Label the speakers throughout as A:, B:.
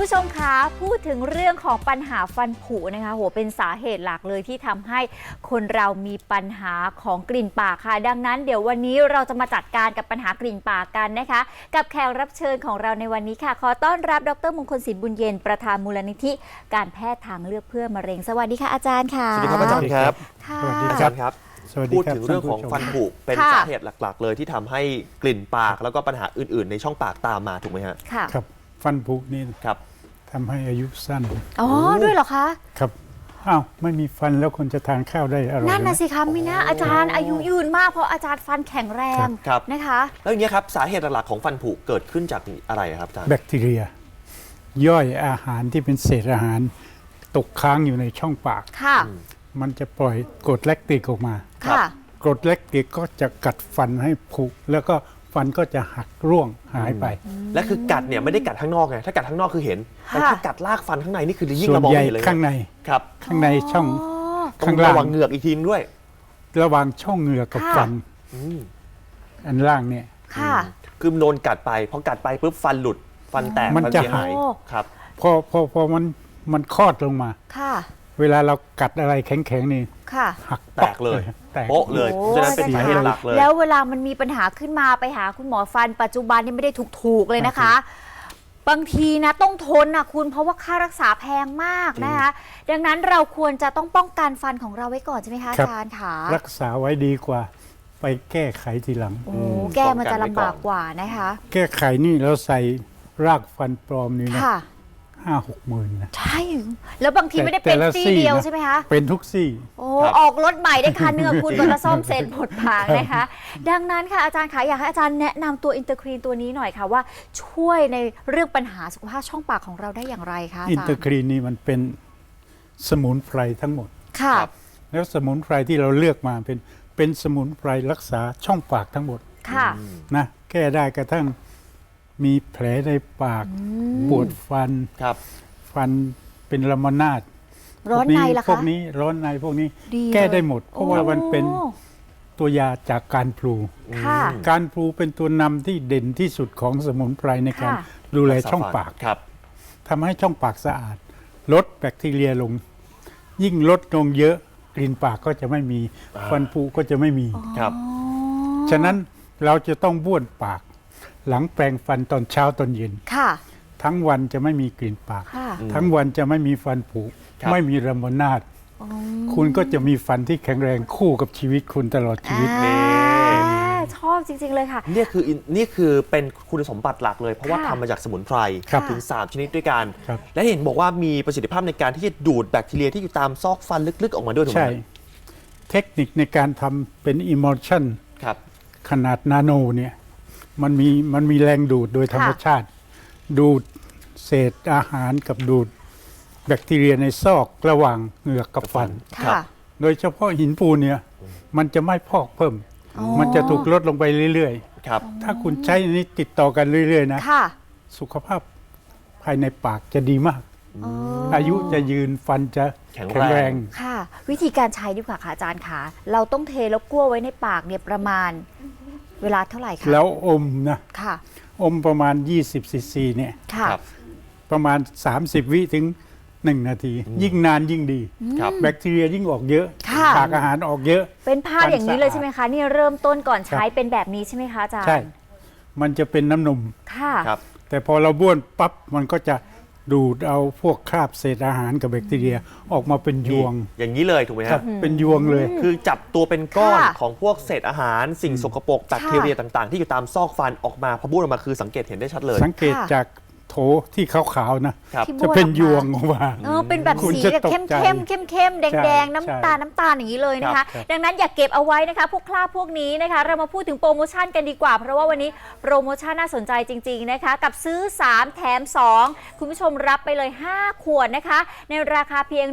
A: ผู้ชมคะพูดถึงเรื่องของปัญหาฟันผุนะคะโหเป็นสาเหตุหลักเลยที่ทำให้คนเรามีปัญหาของกลิ่นปากค่ะดังนั้นเดี๋ยววันนี้เราจะมาจัดการกับปัญหากลิ่นปากกันนะคะกับแขกรับเชิญของเราในวันนี้ค่ะขอต้อนรับดร.มงคลศิลป์บุญเย็นประธานมูลนิธิการแพทย์ทางเลือกเพื่อมะเร็งสวัสดีค่ะอาจารย์ค่ะ
B: สวัสดีครับอาจารย์ครับ
A: สวัสดี
B: อาจารย์ครับพูดถึงเรื่องของฟันผุเป็นสาเหตุหลักๆเลยที่ทำให้กลิ่นปากแล้วก็ปัญหาอื่นๆในช่องปากตามมาถูกไหมฮะ
A: ค่ะ
C: ครับฟันผุนี่
B: ครับ
C: ทำให้อายุสั้น
A: อ๋อด้วยเหรอคะ
C: ครับอ้าวไม่มีฟันแล้วคนจะทานข้าวได้อร่อย
A: นั่นน่ะสิคะมิน่าอาจารย์อายุยืนมากเพราะอาจารย์ฟันแข็งแรงนะคะ
B: แล้วอย่างนี้ครับสาเหตุหลักของฟันผุเกิดขึ้นจากอะไรครับอาจารย์
C: แบคทีเรียย่อยอาหารที่เป็นเศษอาหารตกค้างอยู่ในช่องปาก
A: ค่ะ
C: มันจะปล่อยกรดแลคติกออกมา
A: ค่ะ
C: กรดแลคติกก็จะกัดฟันให้ผุแล้วก็ฟันก็จะหักร่วงหายไป
B: และคือกัดเนี่ยไม่ได้กัดข้างนอกไงถ้ากัดข้างนอกคือเห็นแต่ถ้ากัดลากฟันข้างในนี่คือยิ่ง
C: ส่ว
B: เรา
C: น
B: มอง
C: ใหญ่
B: เห็นเลย
C: ข้างใน
B: ครับ
C: ข้างในช่อง
B: ข้างล่างระวังเหงือกอีกทีด้วย
C: ระหว่างช่องเหงือกกับฟันอันล่างเนี่ย
A: ค่ะ
B: คือโดนกัดไปพอกัดไปปุ๊บฟันหลุดฟันแตก
C: มันจะหาย
B: ครับ
C: พอมันคลอดลงมา
A: ค่ะ
C: เวลาเรากัดอะไรแข็งๆนี่
A: ค่ะ
C: หัก
B: แตกเลยโป๊ะเลยฉะนั้นเป็นสาเหตุหลักเลย
A: แล้วเวลามันมีปัญหาขึ้นมาไปหาคุณหมอฟันปัจจุบันนี่ไม่ได้ถูกเลยนะคะบางทีนะต้องทนนะคุณเพราะว่าค่ารักษาแพงมากนะคะดังนั้นเราควรจะต้องป้องกันฟันของเราไว้ก่อนใช่ไหมคะอาจารย์คะ
C: รักษาไว้ดีกว่าไปแก้ไขทีหลัง
A: แก้มันจะลำบากกว่านะคะ
C: แก้ไขนี่เราใส่รากฟันปลอมนี่นะ5-6 หมื่นนะ
A: ใช่แล้วบางทีไม่ได้เป็นซี่เดียวใช่ไหมคะ
C: เป็นทุกซี่
A: โอ้ออกรถใหม่ได้คันเนื้อคุณก็จะซ่อมเสร็จหมดผางนะคะดังนั้นค่ะอาจารย์คะอยากให้อาจารย์แนะนำตัวอินเตอร์ครีนตัวนี้หน่อยค่ะว่าช่วยในเรื่องปัญหาสุขภาพช่องปากของเราได้อย่างไรคะ
C: อินเตอร์ครีนนี่มันเป็นสมุนไพรทั้งหมด
A: ค่ะ
C: แล้วสมุนไพรที่เราเลือกมาเป็นสมุนไพรรักษาช่องปากทั้งหมด
A: ค่ะ
C: นะแก้ได้กระทั่งมีแผลในปากปวดฟันฟันเป็นลมนาด
A: ร้อนในล่ะคะ
C: พวกนี้ร้อนในพวกนี้แก้ได้หมดเพราะว่ามันเป็นตัวยาจากการพลูการพลูเป็นตัวนำที่เด่นที่สุดของสมุนไพรในการดูแลช่องปากทำให้ช่องปากสะอาดลดแบคทีเรียลงยิ่งลดลงเยอะกลิ่นปากก็จะไม่มีฟันผุก็จะไม่มีฉะนั้นเราจะต้องบ้วนปากหลังแปรงฟันตอนเช้าตอนเย็นทั้งวันจะไม่มีกลิ่นปากทั้งวันจะไม่มีฟันผุไม่มีระมนาดคุณก็จะมีฟันที่แข็งแรงคู่กับชีวิตคุณตลอดชีวิต
A: ชอบจริงๆเลยค่ะ
B: นี่คือเป็นคุณสมบัติหลักเลยเพราะว่าทำมาจากสมุนไพรถึง3ชนิดด้วยกันและเห็นบอกว่ามีประสิทธิภาพในการที่จะดูดแบคทีเรียที่อยู่ตามซอกฟันลึกๆออกมาด้วยถูกไหม
C: ใช่เทคนิคในการทำเป็นอิมอลชั่นขนาดนาโนเนี่ยมันมีแรงดูดโดยธรรมชาติดูดเศษอาหารกับดูดแบคทีเรียในซอกระหว่างเหงือกกับฟันโดยเฉพาะหินปูนเนี่ยมันจะไม่พอกเพิ่มมันจะถูกลดลงไปเรื่อยๆถ้าคุณใช้นี้ติดต่อกันเรื่อยๆนะสุขภาพภายในปากจะดีมากอายุจะยืนฟันจะแข็งแรง
A: ค่ะวิธีการใช้ดีกว่าค่ะอาจารย์คะเราต้องเทแล้วกลั้วไว้ในปากเนี่ยประมาณเวลาเท่าไหร่คะ
C: แล้วอมนะอมประมาณ20 ซีซีเนี่ยประมาณ30 วิถึง1 นาทียิ่งนานยิ่งดีแบคทีเรียยิ่งออกเยอะปากอาหารออกเยอะ
A: เป็นภาพอย่างนี้เลยใช่ไหมคะนี่เริ่มต้นก่อนใช้เป็นแบบนี้ใช่ไหมคะอาจารย์
C: ใช่มันจะเป็นน้ำนมแต่พอเราบ้วนปั๊บมันก็จะดูดเอาพวกคราบเศษอาหารกับแบคทีเรียออกมาเป็นยวง
B: อย่างนี้เลยถูกไหมครับ
C: เป็นยวงเลย
B: คือจับตัวเป็นก้อนของพวกเศษอาหารสิ่งสกปรกแบคทีเรียต่างๆที่อยู่ตามซอกฟันออกมาพอบ้วนออกมาคือสังเกตเห็นได้ชัดเลย
C: สังเกตจากโถที่ขาวๆนะจะเป็นยวงออกมา
A: เป็นแบบสีแบบเข้มๆแดงๆน้ำตาลอย่างนี้เลยนะคะดังนั้นอย่าเก็บเอาไว้นะคะพวกคราบพวกนี้นะคะเรามาพูดถึงโปรโมชั่นกันดีกว่าเพราะว่าวันนี้โปรโมชั่นน่าสนใจจริงๆนะคะกับซื้อ3แถม2คุณผู้ชมรับไปเลย5 ขวดนะคะในราคาเพียง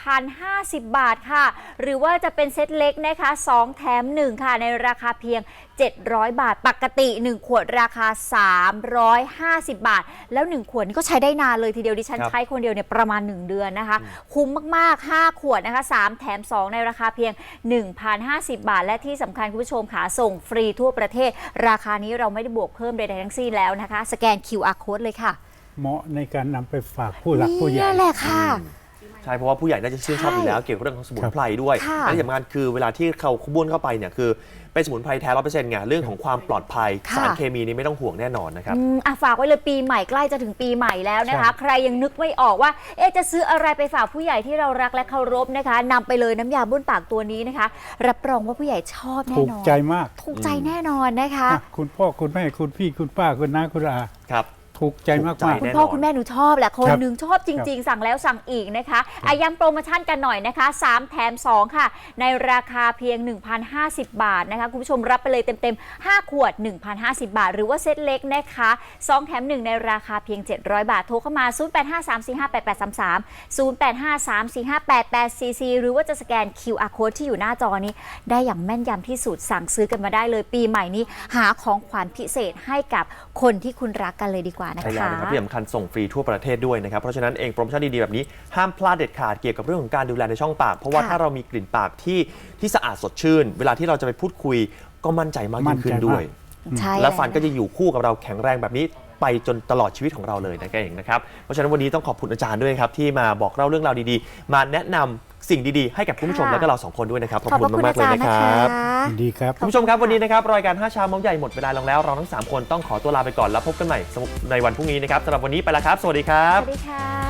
A: 1,050 บาทค่ะหรือว่าจะเป็นเซตเล็กนะคะ2แถม1ค่ะในราคาเพียง700 บาทปกติ1ขวดราคา350 บาทแล้ว1 ขวดนี่ก็ใช้ได้นานเลยทีเดียวดิฉันใช้คนเดียวเนี่ยประมาณ1 เดือนนะคะคุ้มมากๆ5 ขวดนะคะ3แถม2ในราคาเพียง 1,050 บาทและที่สำคัญคุณผู้ชมค่ะส่งฟรีทั่วประเทศราคานี้เราไม่ได้บวกเพิ่มใดๆทั้งสิ้นแล้วนะคะสแกน QR Code เลยค่ะ
C: เหมาะในการนำไปฝากผู้หลักผู้ใหญ่
A: นี่แหละค่ะ
B: ใช่เพราะว่าผู้ใหญ่น่าจะชื่นชอบอยู่แล้วเกี่ยวกับเรื่องของสมุนไพรด้วย
A: ค่ะ
B: และที่สำคัญคือเวลาที่เขาขบวนเข้าไปเนี่ยคือเป็นสมุนไพรแท้ 100% ไงเรื่องของความปลอดภัย
A: ค่ะ
B: สารเคมีนี่ไม่ต้องห่วงแน่นอนนะครับ
A: ฝากไว้เลยปีใหม่ใกล้จะถึงปีใหม่แล้วนะคะ
C: ใช่
A: ใครยังนึกไม่ออกว่าจะซื้ออะไรไปฝากผู้ใหญ่ที่เรารักและเคารพนะคะนำไปเลยน้ำยาบ้วนปากตัวนี้นะคะ รับรองว่าผู้ใหญ่ชอบแน่
C: ถูก
A: นอน
C: ใจมาก
A: ถูกใจแน่นอนนะคะ
C: นะคุณพ่อคุณแม่คุณพี่คุณป้าคุณน้าคุณอา
B: ครับ
C: ถูกใจมาก
B: ถูกใจ
C: มาก
A: คุณ
B: แน่นอน
A: พ่อคุณแม่หนูชอบแหละคน
C: ครับ
A: หนึ่งชอบจริง ๆ สั่งแล้วสั่งอีกนะคะย้ำโปรโมชั่นกันหน่อยนะคะ3แถม2ค่ะในราคาเพียง 1,050 บาทนะคะคุณผู้ชมรับไปเลยเต็มๆ5ขวด 1,050 บาท หรือว่าเซตเล็กนะคะ2แถม1ในราคาเพียง700 บาทโทรเข้ามา0853458833 0853458844หรือว่าจะสแกน QR code ที่อยู่หน้าจอนี้ได้อย่างแม่นยำที่สุดสั่งซื้อกันมาได้เลยปีใหม่นี้หาของขวัญพิเศษให้กับคนที่คุณรักกันเลยดีกว่านะ
B: ใช่แล้ว
A: คะ
B: นะครับที่สำคัญส่งฟรีทั่วประเทศด้วยนะครับเพราะฉะนั้นเองโปรโมชั่นดีๆแบบนี้ห้ามพลาดเด็ดขาดเกี่ยวกับเรื่องของการดูแลในช่องปาก เพราะว่า
A: ค่ะ
B: ถ้าเรามีกลิ่นปากที่สะอาดสดชื่น เวลาที่เราจะไปพูดคุยก็มั่นใจมากยิ่งขึ้นด้วย
A: ใช่
B: และฟันก็จะอยู่คู่กับเราแข็งแรงแบบนี้ไปจนตลอดชีวิตของเราเลยนะแกเองนะครับเพราะฉะนั้นวันนี้ต้องขอบคุณอาจารย์ด้วยครับที่มาบอกเล่าเรื่องราวดีๆ มาแนะนำสิ่งดีๆให้กับคุณผู้ชม
A: ค่ะ
B: แล้วก็เราสองคนด้วยนะครับขอบ
A: ขอบ
B: คุณ
A: พระคุณ
B: มา
A: อาก
B: ๆเลย
A: จารย์
B: นะ
A: นะ
B: ค
A: คะ
B: รับ
C: ยินดีครับ
B: คุณผู้ชมครับวันนี้นะครับรายการ5 เช้าเมาส์ใหญ่หมดเวลาลงแล้วเราทั้ง 3 คนต้องขอตัวลาไปก่อนแล้วพบกันใหม่ในวันพรุ่งนี้นะครับสำหรับวันนี้ไปแล้วครับ สวัสดีครั
A: ส
B: บ
A: วัสดีค่ะ